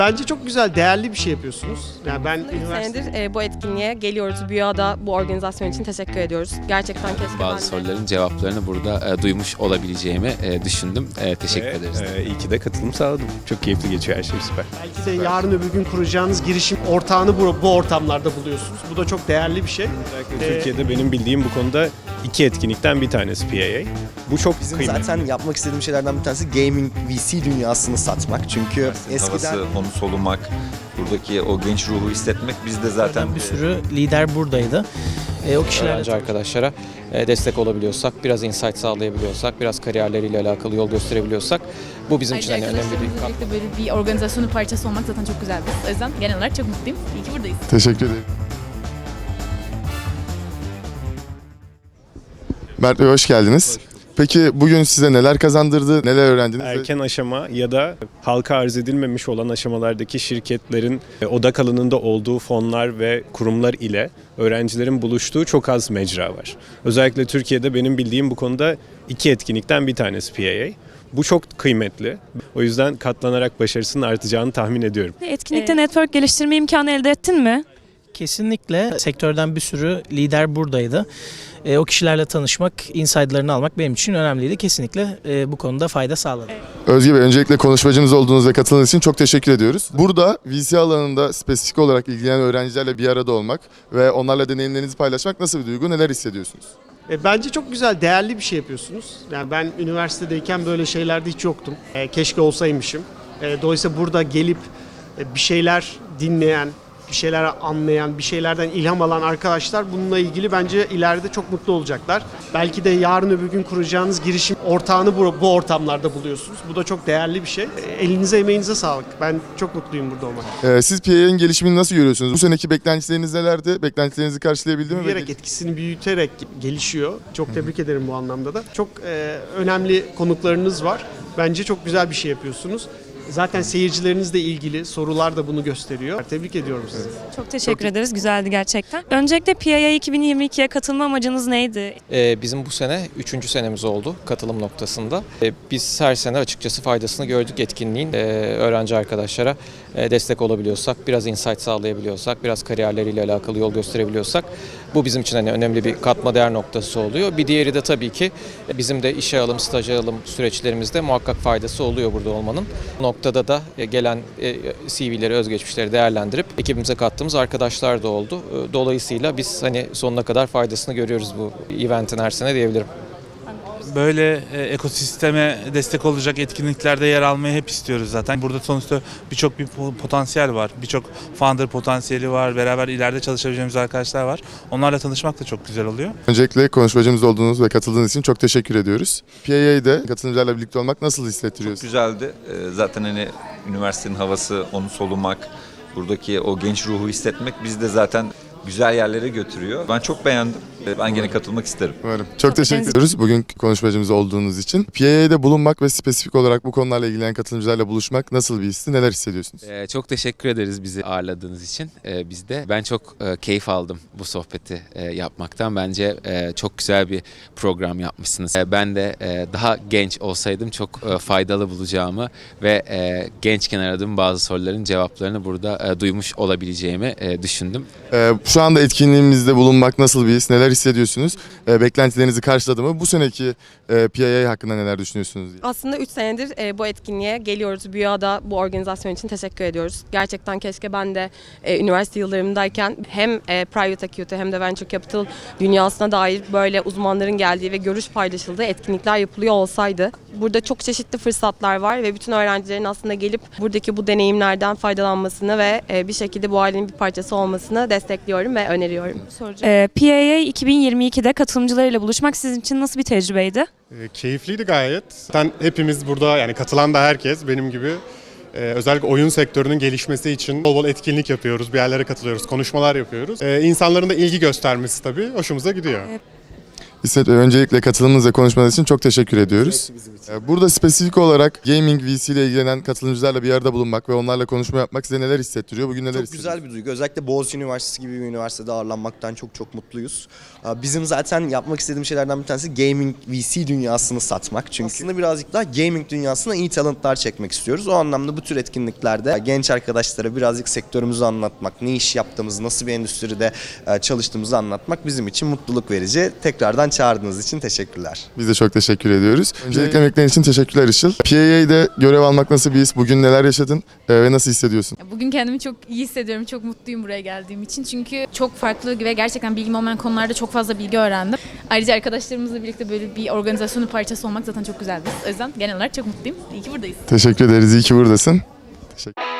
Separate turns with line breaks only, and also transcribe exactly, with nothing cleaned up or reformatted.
Bence çok güzel, değerli bir şey yapıyorsunuz. Yani ben
üç
üniversite...
senedir e, bu etkinliğe geliyoruz. Büyüada bu organizasyon için teşekkür ediyoruz. Gerçekten keşke
Bazı
ben de...
soruların cevaplarını burada e, duymuş olabileceğimi e, düşündüm. E, teşekkür
Ve,
ederiz.
E, iyi ki de katılım sağladım. Çok keyifli geçiyor her şey, süper.
Belki de yarın öbür gün kuracağınız girişim ortağını bu, bu ortamlarda buluyorsunuz. Bu da çok değerli bir şey.
Özellikle
Ee,
Türkiye'de benim bildiğim bu konuda iki etkinlikten bir tanesi P A A. Bu çok
Bizim
kıymetli.
zaten yapmak istediğim şeylerden bir tanesi gaming V C dünyasını satmak. Çünkü eskiden
Havası, onu solumak, buradaki o genç ruhu hissetmek bizde zaten
bir sürü lider buradaydı. E, o kişilerle
Öğrenci arkadaşlara e, destek olabiliyorsak, biraz insight sağlayabiliyorsak, biraz kariyerleriyle alakalı yol gösterebiliyorsak bu bizim için hani önemli bir
Arkadaşlarımızla
katkı.
birlikte böyle bir organizasyonun parçası olmak zaten çok güzel bir his. O yüzden genel olarak çok mutluyum. İyi ki buradayız.
Teşekkür ederim. Mert Bey hoş geldiniz. Peki bugün size neler kazandırdı, neler öğrendiniz?
Erken aşama ya da halka arz edilmemiş olan aşamalardaki şirketlerin e, odak alanında olduğu fonlar ve kurumlar ile öğrencilerin buluştuğu çok az mecra var. Özellikle Türkiye'de benim bildiğim bu konuda iki etkinlikten bir tanesi P A A. Bu çok kıymetli. O yüzden katlanarak başarısının artacağını tahmin ediyorum.
Etkinlikte network geliştirme imkanı elde ettin mi?
kesinlikle sektörden bir sürü lider buradaydı. E, o kişilerle tanışmak, insight'larını almak benim için önemliydi. Kesinlikle e, bu konuda fayda sağladı.
Özge Bey, öncelikle konuşmacımız olduğunuz ve katıldığınız için çok teşekkür ediyoruz. Burada V C alanında spesifik olarak ilgilenen öğrencilerle bir arada olmak ve onlarla deneyimlerinizi paylaşmak nasıl bir duygu, neler hissediyorsunuz?
E, bence çok güzel, değerli bir şey yapıyorsunuz. Yani ben üniversitedeyken böyle şeylerde hiç yoktum. E, keşke olsaymışım. E, dolayısıyla burada gelip e, bir şeyler dinleyen, bir şeyler anlayan, bir şeylerden ilham alan arkadaşlar bununla ilgili bence ileride çok mutlu olacaklar. Belki de yarın öbür gün kuracağınız girişim ortağını bu, bu ortamlarda buluyorsunuz. Bu da çok değerli bir şey. E, elinize emeğinize sağlık. Ben çok mutluyum burada olmak.
Ee, siz P A A'nin gelişimini nasıl görüyorsunuz? Bu seneki beklentileriniz nelerdi? Beklentilerinizi karşılayabildi mi?
Büyüyerek, etkisini büyüterek gelişiyor. Çok tebrik ederim bu anlamda da. Çok e, önemli konuklarınız var. Bence çok güzel bir şey yapıyorsunuz. Zaten seyircilerinizle ilgili sorular da bunu gösteriyor. Tebrik ediyorum sizi.
Çok teşekkür ederiz. Güzeldi gerçekten. Öncelikle P A A iki bin yirmi ikiye katılma amacınız neydi?
E, bizim bu sene üçüncü senemiz oldu katılım noktasında. E, biz her sene açıkçası faydasını gördük etkinliğin. E, öğrenci arkadaşlara e, destek olabiliyorsak, biraz insight sağlayabiliyorsak, biraz kariyerleriyle alakalı yol gösterebiliyorsak bu bizim için hani önemli bir katma değer noktası oluyor. Bir diğeri de tabii ki bizim de işe alım, staj alım süreçlerimizde muhakkak faydası oluyor burada olmanın. Bu noktada da gelen C V'leri, özgeçmişleri değerlendirip ekibimize kattığımız arkadaşlar da oldu. Dolayısıyla biz hani sonuna kadar faydasını görüyoruz bu eventin her sene diyebilirim.
Böyle e, ekosisteme destek olacak etkinliklerde yer almayı hep istiyoruz zaten. Burada sonuçta birçok bir potansiyel var. Birçok founder potansiyeli var. Beraber ileride çalışabileceğimiz arkadaşlar var. Onlarla tanışmak da çok güzel oluyor.
Öncelikle konuşmacımız olduğunuz ve katıldığınız için çok teşekkür ediyoruz. P A A'de katılımcılarla birlikte olmak nasıl hissettiriyor?
çok güzeldi. Ee, zaten hani üniversitenin havası, onu solumak, buradaki o genç ruhu hissetmek bizde zaten güzel yerlere götürüyor. Ben çok beğendim. Ben gene katılmak isterim.
Umarım. Çok teşekkür ediyoruz bugün konuşmacımız olduğunuz için. P A A'de bulunmak ve spesifik olarak bu konularla ilgilenen katılımcılarla buluşmak nasıl bir histi, neler hissediyorsunuz?
Ee, çok teşekkür ederiz bizi ağırladığınız için. Ee, biz de ben çok e, keyif aldım bu sohbeti e, yapmaktan. Bence e, çok güzel bir program yapmışsınız. E, ben de e, daha genç olsaydım çok e, faydalı bulacağımı ve e, gençken aradığım bazı soruların cevaplarını burada e, duymuş olabileceğimi e, düşündüm.
Ee, şu anda etkinliğimizde bulunmak nasıl bir his, neler hissediyorsunuz? Ee, beklentilerinizi karşıladı mı? Bu seneki e, P A A hakkında neler düşünüyorsunuz? Diye.
Aslında üç senedir e, bu etkinliğe geliyoruz. Büyüada bu organizasyon için teşekkür ediyoruz. Gerçekten keşke ben de e, üniversite yıllarımdayken hem e, private equity hem de venture capital dünyasına dair böyle uzmanların geldiği ve görüş paylaşıldığı etkinlikler yapılıyor olsaydı. Burada çok çeşitli fırsatlar var ve bütün öğrencilerin aslında gelip buradaki bu deneyimlerden faydalanmasını ve e, bir şekilde bu ailenin bir parçası olmasını destekliyorum ve öneriyorum.
Ee, P A A iki bin yirmi ikide katılımcılarıyla buluşmak sizin için nasıl bir tecrübeydi?
E, keyifliydi gayet. Zaten hepimiz burada, yani katılan da herkes benim gibi e, özellikle oyun sektörünün gelişmesi için bol bol etkinlik yapıyoruz, bir yerlere katılıyoruz, konuşmalar yapıyoruz. E, insanların da ilgi göstermesi tabii hoşumuza gidiyor.
İsmet Bey, öncelikle katılımınız ve konuşmanız için çok teşekkür ediyoruz. Ee, Burada spesifik olarak gaming V C ile ilgilenen katılımcılarla bir arada bulunmak ve onlarla konuşma yapmak size neler hissettiriyor? Bugün neler
Çok
hissediyorsunuz?
güzel bir duygu. Özellikle Boğaziçi Üniversitesi gibi bir üniversitede ağırlanmaktan çok çok mutluyuz. Bizim zaten yapmak istediğim şeylerden bir tanesi gaming V C dünyasını satmak. Çünkü aslında birazcık daha gaming dünyasına iyi talentlar çekmek istiyoruz. O anlamda bu tür etkinliklerde genç arkadaşlara birazcık sektörümüzü anlatmak, ne iş yaptığımızı, nasıl bir endüstride çalıştığımızı anlatmak bizim için mutluluk verici. Tekrardan çağırdığınız için teşekkürler.
Biz de çok teşekkür ediyoruz. Öncelikle emeklerin için teşekkürler Işıl. P A A'de görev almak nasıl bir his? Bugün neler yaşadın e, ve nasıl hissediyorsun?
Bugün kendimi çok iyi hissediyorum. Çok mutluyum buraya geldiğim için. Çünkü çok farklı ve gerçekten bilgim olmayan konularda çok fazla bilgi öğrendim. Ayrıca arkadaşlarımızla birlikte böyle bir organizasyonun parçası olmak zaten çok güzel bir his. O yüzden genel olarak çok mutluyum. İyi ki buradayız.
Teşekkür ederiz. İyi ki buradasın. Teşekkür